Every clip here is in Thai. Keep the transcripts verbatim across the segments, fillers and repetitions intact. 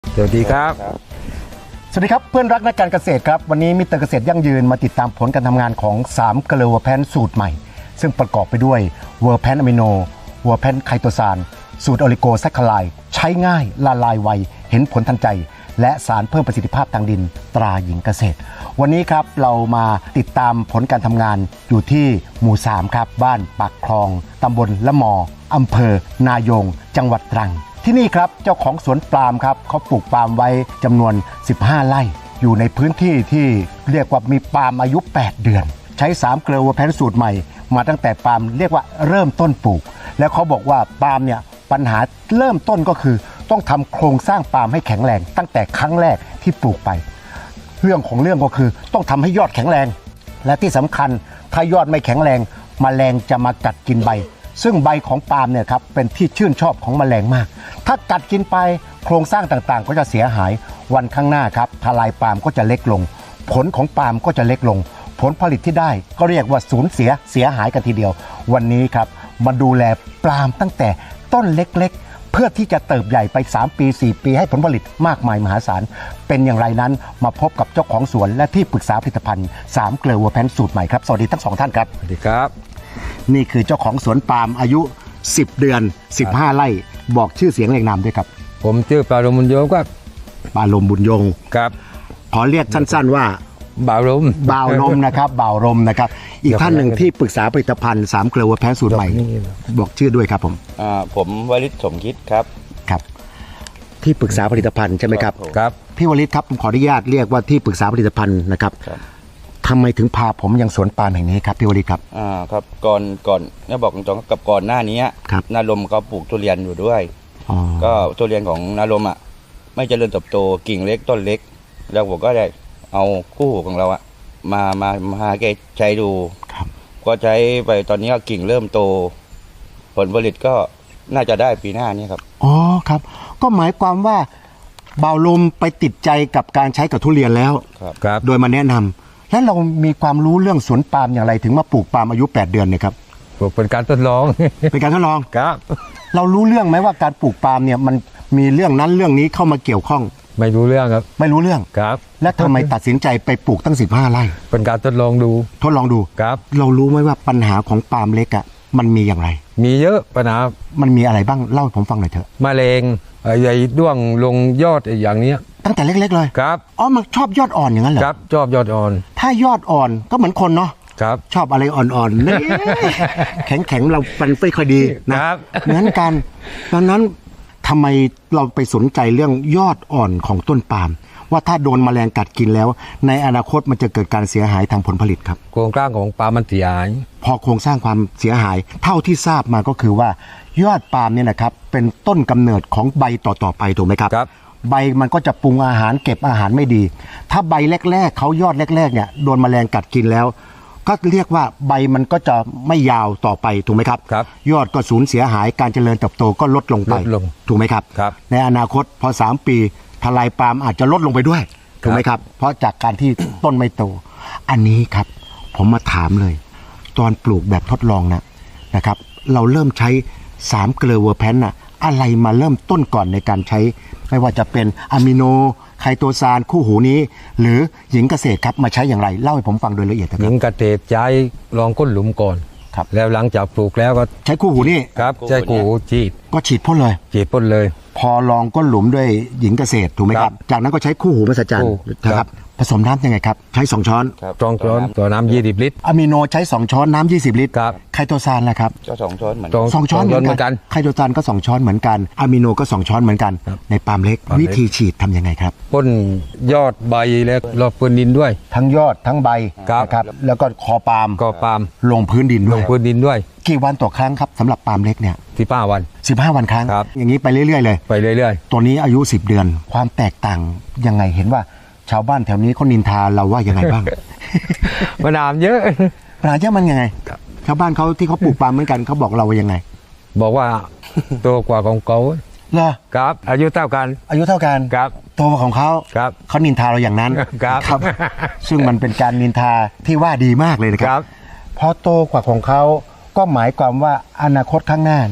สวัสดีครับสวัสดีครับเพื่อนรักนักการเกษตรครับวันนี้มิสเตอร์เกษตรยั่งยืนมาติดตามผลการทำงานของสามเกลือเวอร์แพนสูตรใหม่ซึ่งประกอบไปด้วยเวอร์แพนอะมิโนเวอร์แพนไคโตซานสูตรโอลิโกแซคคาไลด์ใช้ง่ายละลายไวเห็นผลทันใจและสารเพิ่มประสิทธิภาพทางดินตราหญิงเกษตรวันนี้ครับเรามาติดตามผลการทำงานอยู่ที่หมู่สามครับบ้านปากคลองตำบลละมออำเภอนายงจังหวัดตรังที่นี่ครับเจ้าของสวนปาล์มครับเขาปลูกปาล์มไว้จำนวนสิบห้าไร่อยู่ในพื้นที่ที่เรียกว่ามีปาล์มอายุแปดเดือนใช้สามเกลือเวอร์แพนสูตรใหม่มาตั้งแต่ปาล์มเรียกว่าเริ่มต้นปลูกแล้วเขาบอกว่าปาล์มเนี่ยปัญหาเริ่มต้นก็คือต้องทำโครงสร้างปาล์มให้แข็งแรงตั้งแต่ครั้งแรกที่ปลูกไปเรื่องของเรื่องก็คือต้องทำให้ยอดแข็งแรงและที่สำคัญถ้ายอดไม่แข็งแรงแมลงจะมากัดกินใบซึ่งใบของปาล์มเนี่ยครับเป็นที่ชื่นชอบของแมลงมากถ้ากัดกินไปโครงสร้างต่างๆก็จะเสียหายวันข้างหน้าครับทลายปาล์มก็จะเล็กลงผลของปาล์มก็จะเล็กลงผลผลิตที่ได้ก็เรียกว่าสูญเสียเสียหายกันทีเดียววันนี้ครับมาดูแลปาล์มตั้งแต่ต้นเล็กๆเพื่อที่จะเติบใหญ่ไปสามปีสี่ปีให้ผลผลิตมากมายมหาศาลเป็นอย่างไรนั้นมาพบกับเจ้าของสวนและที่ปรึกษาผลิตภัณฑ์สามเกลือเวอร์แพนสูตรใหม่ครับสวัสดีทั้งสองท่านครับสวัสดีครับนี่คือเจ้าของสวนปาล์มอายุสิบเดือนสิบห้าไร่บอกชื่อเสียงเรียงนามด้วยครับผมชื่อปาลมบุญยงครับปาลมบุญยงครับขอเรียกสั้นๆว่าบ่าวลมบ่าวลมนะครับบ่าวลมนะครับอีกท่านหนึ่งที่ปรึกษาผลิตภัณฑ์สามเกลือเวอร์แพนสูตรใหม่บอกชื่อด้วยครับผมอ่าผมวริศสมคิดครับครับที่ปรึกษาผลิตภัณฑ์ใช่ไหมครับครับพี่วริศครับผมขออนุญาตเรียกว่าที่ปรึกษาผลิตภัณฑ์นะครับทำไมถึงพาผมยังสวนปาล์มแห่งนี้ครับพี่วริศครับอ่าครับก่อนก่อนเนี่ยบอกตรงๆกับก่อนหน้านี้นาลมก็ปลูกทุเรียนอยู่ด้วยก็ทุเรียนของนาลมอ่ะไม่เจริญเติบโตกิ่งเล็กต้นเล็กแล้วผมก็ได้เอาคู่หูของเราอ่ะมามามาแกใช้ดูก็ใช้ไปตอนนี้ก็กิ่งเริ่มโตผลผลิตก็น่าจะได้ปีหน้านี้ครับอ๋อครับก็หมายความว่าบ่าวลมไปติดใจกับการใช้กับทุเรียนแล้วครับโดยมาแนะนำแล้วเรามีความรู้เรื่องสวนปาล์มอย่างไรถึงมาปลูกปาล์มอายุแปดเดือนเนี่ยครับเป็นการทดลองเป็นการทดลองครับเรารู้เรื่องไหมว่าการปลูกปาล์มเนี่ยมันมีเรื่องนั้นเรื่องนี้เข้ามาเกี่ยวข้องไม่รู้เรื่องครับไม่รู้เรื่องครับและทำไมตัดสินใจไปปลูกตั้งสิบห้าไร่เป็นการทดลองดูทดลองดูครับเรารู้ไหมว่าปัญหาของปาล์มเล็กอ่ะมันมีอย่างไรมีเยอะปัญหามันมีอะไรบ้างเล่าให้ผมฟังหน่อยเถอะมะเร็งใหญ่ด้วงลงยอดอย่างนี้ตั้งแต่เล็กๆเลยครับอ๋อมันชอบยอดอ่อนอย่างนั้นเหรอครับชอบยอดอ่อนถ้ายอดอ่อนก็เหมือนคนเนาะครับชอบอะไรอ่อนๆนี่แข็งๆเราปันไม่ค่อยดีนะครับเหมือนกันดังนั้นทำไมเราไปสนใจเรื่องยอดอ่อนของต้นปาล์มว่าถ้าโดนแมลงกัดกินแล้วในอนาคตมันจะเกิดการเสียหายทางผลผลิตครับโครงสร้างของปาล์มมันเสียหายพอโครงสร้างความเสียหายเท่าที่ทราบมาก็คือว่ายอดปาล์มเนี่ยนะครับเป็นต้นกำเนิดของใบต่อๆไปถูกไหมครับครับใบมันก็จะปรุงอาหารเก็บอาหารไม่ดีถ้าใบแรกๆเขายอดแรกๆเนี่ยโดนแมลงกัดกินแล้วก็เรียกว่าใบมันก็จะไม่ยาวต่อไปถูกไหมครับครับยอดก็สูญเสียหายการเจริญเติบโตก็ลดลงไปถูกไหมครับครับในอนาคตพอสามปีทลายปาล์มอาจจะลดลงไปด้วยถูกไหมครับเพราะจากการที่ต้นไม่โตอันนี้ครับผมมาถามเลยตอนปลูกแบบทดลองนะนะครับเราเริ่มใช้สามเกลือเวอร์แพนน่ะอะไรมาเริ่มต้นก่อนในการใช้ไม่ว่าจะเป็นอะมิโนไคโตซานคู่หูนี้หรือหญิงเกษตรครับมาใช้อย่างไรเล่าให้ผมฟังโดยละเอียดครับหญิงเกษตรใช้ลองก้นหลุมก่อนครับแล้วหลังจากปลูกแล้วก็ใช้คู่หูนี่ครับใช้คู่หูฉีดก็ฉีดพ่นเลยฉีดพ่นเลยพอลองก้นหลุมด้วยหญิงเกษตรถูกไหมครับจากนั้นก็ใช้คู่หูมหัศจรรย์นะครับผสมน้ำยังไงครับใช้สองช้อนสองช้อนต่อน้ำยี่สิบลิตรอะมิโนใช้สองช้อนน้ำยี่สิบลิตรครับไคโตซานล่ะครับก็สองช้อนเหมือนสองช้อนเหมือนกันไคโตซานก็สองช้อนเหมือนกันอะมิโนก็สองช้อนเหมือนกันในปาล์มเล็กวิธีฉีดทำยังไงครับพ่นยอดใบแล้วรอบพื้นดินด้วยทั้งยอดทั้งใบนะครับแล้วก็คอปาล์มคอปาล์มลงพื้นดินด้วยลงพื้นดินด้วยกี่วันต่อครั้งครับสำหรับปาล์มเล็กเนี่ยสิบห้าวันสิบห้าวันครั้งอย่างนี้ไปเรื่อยๆเลยไปเรื่อยๆตัวนี้อายุสิบเดือนความแตกต่างยังไงเห็นว่าชาวบ้านแถวนี้เขานินทาเราว่ายังไงบ้างปัญหาเยอะปัญหาเยอะมันยังไงชาวบ้านเขาที่เขาปลูกปาล์มเหมือนกันเขาบอกเราว่ายังไงบอกว่าโตกว่าของเขาเหรอครับอายุเท่ากันอายุเท่ากันครับโตกว่าของเขาครับเขานินทาเราอย่างนั้นครับซึ่งมันเป็นการนินทาที่ว่าดีมากเลยนะครับพอโตกว่าของเขาก็หมายความว่าอนาคตข้างหน้าเนี่ยแ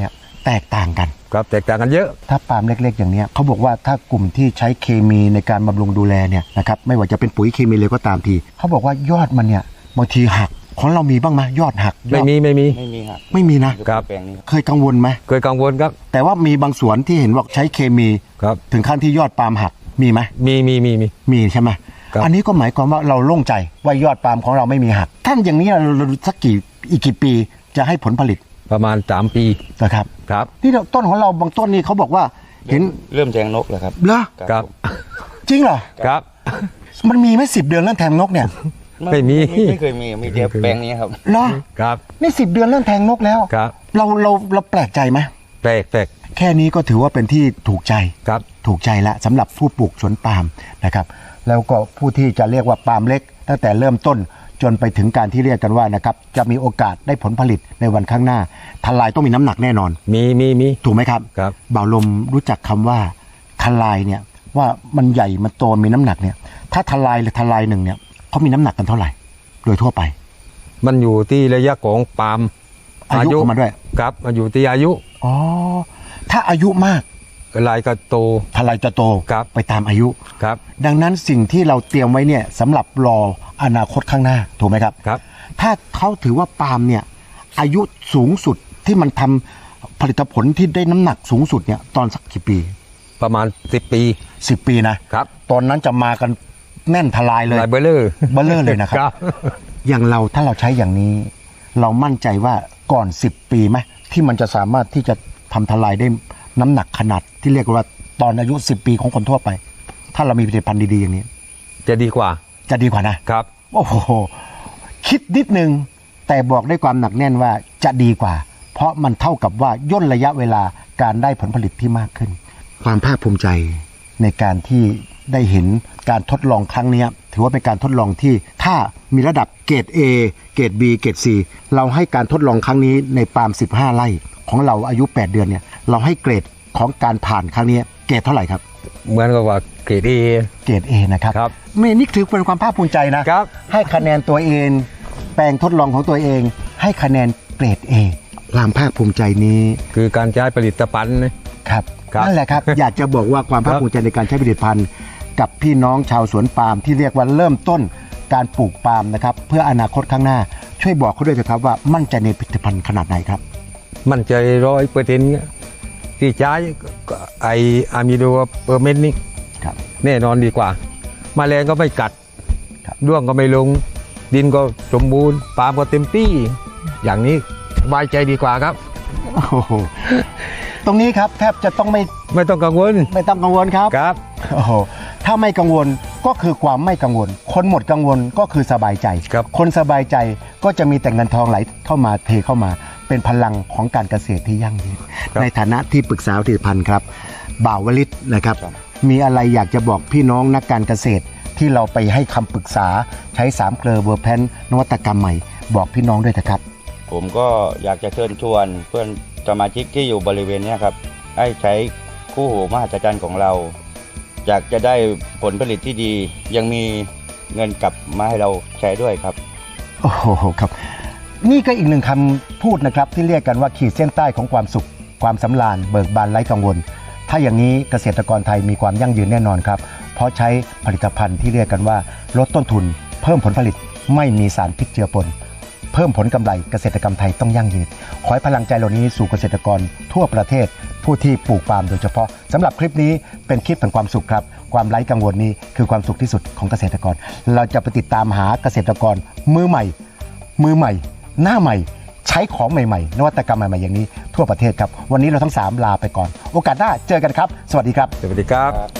แตกต่างกันครับแตกต่างกันเยอะถ้าปาล์มเล็กๆอย่างเนี้ยเขาบอกว่าถ้ากลุ่มที่ใช้เคมีในการบำรุงดูแลเนี่ยนะครับไม่ว่าจะเป็นปุ๋ยเคมีเลยก็ตามทีเขาบอกว่ายอดมันเนี่ยบางทีหักของเรามีบ้างไหมยอดหักยอดไม่มีไม่มีไม่มีครับไม่มีนะครับแปลงนี้เคยกังวลไหมเคยกังวลครับแต่ว่ามีบางสวนที่เห็นว่าใช้เคมีครับถึงขั้นที่ยอดปาล์มหักมีไหมมีมีมีมีมีใช่ไหมครับอันนี้ก็หมายความว่าเราโล่งใจว่ายอดปาล์มของเราไม่มีหักท่านอย่างนี้เราเราสักกี่อีกกี่ปีจะให้ผลผลิตประมาณสามปีนะครับครับนี่เราต้นของเราบางต้นนี่เขาบอกว่าเห็นเริ่มแทงนกแล้วครับเหรอครับผมจริงเหรอครับมันมีไหมสิบเดือนเรื่องแทงนกเนี่ยไม่มีไม่เคยมีมีแต่แปลงนี้ครับเหรอครับนี่สิบเดือนเรื่องแทงนกแล้วครับเราเราเราแปลกใจไหมแปลกแปลกแค่นี้ก็ถือว่าเป็นที่ถูกใจครับถูกใจละสำหรับผู้ปลูกสวนปาล์มนะครับแล้วก็ผู้ที่จะเรียกว่าปาล์มเล็ก ตั้งแต่เริ่มต้นจนไปถึงการที่เรียกกันว่านะครับจะมีโอกาสได้ผลผลิตในวันข้างหน้าทลายต้องมีน้ำหนักแน่นอนมีมีมีถูกไหมครับครับบ่าวลมรู้จักคำว่าทลายเนี่ยว่ามันใหญ่มันโตมีน้ำหนักเนี่ยถ้าทลายหรือทลายหนึ่งเนี่ยเขามีน้ำหนักกันเท่าไหร่ โดยทั่วไปมันอยู่ที่ระยะของปาล์มอายุเข้ามาด้วยครับมันอยู่ที่อายุอ๋อถ้าอายุมากลายก็โตทลายจะโตครับไปตามอายุครับดังนั้นสิ่งที่เราเตรียมไว้เนี่ยสำหรับรออนาคตข้างหน้าถูกไหมครับครับถ้าเขาถือว่าปาล์มเนี่ยอายุสูงสุดที่มันทำผลิตผลที่ได้น้ำหนักสูงสุดเนี่ยตอนสักกี่ปีประมาณสิบปีสิบปีนะครับ ตอนนั้นจะมากันแน่นทลายเลยลายเบลเลอร์เบลเลอร์เลยนะครับครับอย่างเราถ้าเราใช้อย่างนี้ เรามั่นใจว่าก่อนสิบปีไหมที่มันจะสามารถที่จะทำทลายได้น้ำหนักขนาดที่เรียกว่าตอนอายุสิบปีของคนทั่วไป ถ้าเรามีผลิตภัณฑ์ดีๆอย่างนี้จะดีกว่าจะดีกว่านะครับ โอ้โหคิดนิดนึงแต่บอกด้วยความหนักแน่นว่าจะดีกว่า เพราะมันเท่ากับว่าย่นระยะเวลาการได้ผลผลิตที่มากขึ้น ความภาคภูมิใจในการที่ได้เห็นการทดลองครั้งนี้ถือว่าเป็นการทดลองที่ถ้ามีระดับเกรด A เกรด B เกรด C เราให้การทดลองครั้งนี้ในปาล์มสิบห้าไร่ของเราอายุแปดเดือนเนี่ยเราให้เกรดของการผ่านครั้งนี้เกรดเท่าไหร่ครับเหมือนกับว่าเกรดเอเกรด A นะครับครับไม่นี่ถือเป็นความภาคภูมิใจนะครับ ให้คะแนนตัวเอง แปลงทดลองของตัวเอง ให้คะแนนเกรด A ความภาคภูมิใจนี้คือการใช้ผลิตภัณฑ์นะครับ ครับนั่นแหละครับ อยากจะบอกว่าความภาคภูมิใจในการใช้ผลิตภัณฑ์ กับพี่น้องชาวสวนปาล์มที่เรียกว่าเริ่มต้นการปลูกปาล์มนะครับเพื่ออนาคตข้างหน้า ช่วยบอกเขาด้วยเถอะครับว่ามั่นใจในผลิตภัณฑ์ขนาดไหนครับมั่นใจร้อยเปอร์เซ็นต์ที่ใช้ไออะมิโดเปอร์เมนต์นี่ครับแน่นอนดีกว่าแมลงก็ไม่กัดครับด้วงก็ไม่ลง ดินก็สมบูรณ์ปาล์มก็เต็มที่ อย่างนี้สบายใจดีกว่าครับโอ้โหตรงนี้ครับแทบจะต้องไม่ไม่ต้องกังวลไม่ต้องกังวลครับครับโอ้โหถ้าไม่กังวลก็คือความไม่กังวล คนหมดกังวลก็คือสบายใจครับคนสบายใจก็จะมีแต่เงินทองไหลเข้ามาเทเข้ามา เป็นพลังของการเกษตรที่ยั่งยืนในฐานะที่ปรึกษาผลิตภัณฑ์ครับบ่าววลิตนะครับ มีอะไรอยากจะบอกพี่น้องนักการเกษตรที่เราไปให้คำปรึกษาใช้สามเกลอเวอร์แพนนวัตกรรมใหม่ บอกพี่น้องด้วยนะครับผมก็อยากจะเชิญชวนเพื่อนสมาชิกที่อยู่บริเวณเนี้ยครับให้ใช้คู่หูมหัศจรรย์ของเราอยากจะได้ผลผลิตที่ดียังมีเงินกลับมาให้เราใช้ด้วยครับโอ้โหครับนี่ก็อีกหนึ่งคำพูดนะครับที่เรียกกันว่าขีดเส้นใต้ของความสุข ความสำราญเบิกบานไร้กังวล ถ้าอย่างนี้เกษตรกรไทยมีความยั่งยืนแน่นอนครับเพราะใช้ผลิตภัณฑ์ที่เรียกกันว่าลดต้นทุน เพิ่มผลผลิตไม่มีสารพิษเจือปนเพิ่มผลกำไรเกษตรกรรมไทยต้องยั่งยืนขอให้พลังใจเหล่านี้สู่เกษตรกรทั่วประเทศผู้ที่ปลูกปาล์มโดยเฉพาะสำหรับคลิปนี้เป็นคลิปแห่งความสุขครับความไร้กังวลนี้คือความสุขที่สุดของเกษตรกรเราจะไปติดตามหาเกษตรกรมือใหม่ มือใหม่ หน้าใหม่ ใช้ของใหม่ๆนวัตกรรมใหม่ๆอย่างนี้ทั่วประเทศครับวันนี้เราทั้งสามลาไปก่อนโอกาสหน้าเจอกันครับสวัสดีครับสวัสดีครับ